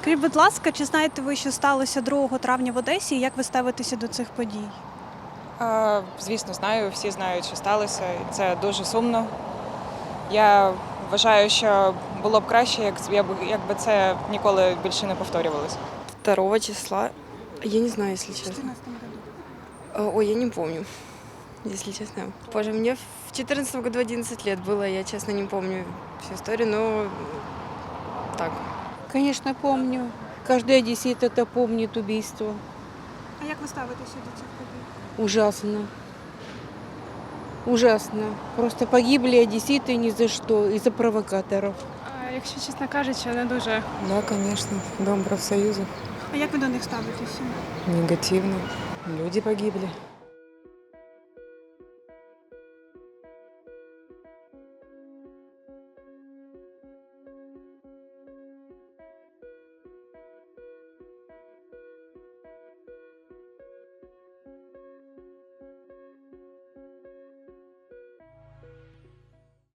Скажіть, будь ласка, чи знаєте ви, що сталося 2 травня в Одесі, і як ви ставитеся до цих подій? Звісно, знаю, всі знають, що сталося, і це дуже сумно. Я вважаю, що було б краще, якби це ніколи більше не повторювалося. 2 числа. Я не знаю, если честно. Ой, я не помню, если честно. Боже, мне в 2014 году 11 лет было, я, честно, не помню всю историю, но так. Конечно, помню. Каждый одессит это помнит убийство. А як ви ставитеся до цих подій? Ужасно. Ужасно. Просто погибли одесситы ни за что, из-за провокаторов. Якщо чесно кажучи, не дуже. Да, конечно. Дом профсоюзов. А як ви до них ставитеся? Негативно. Люди погибли.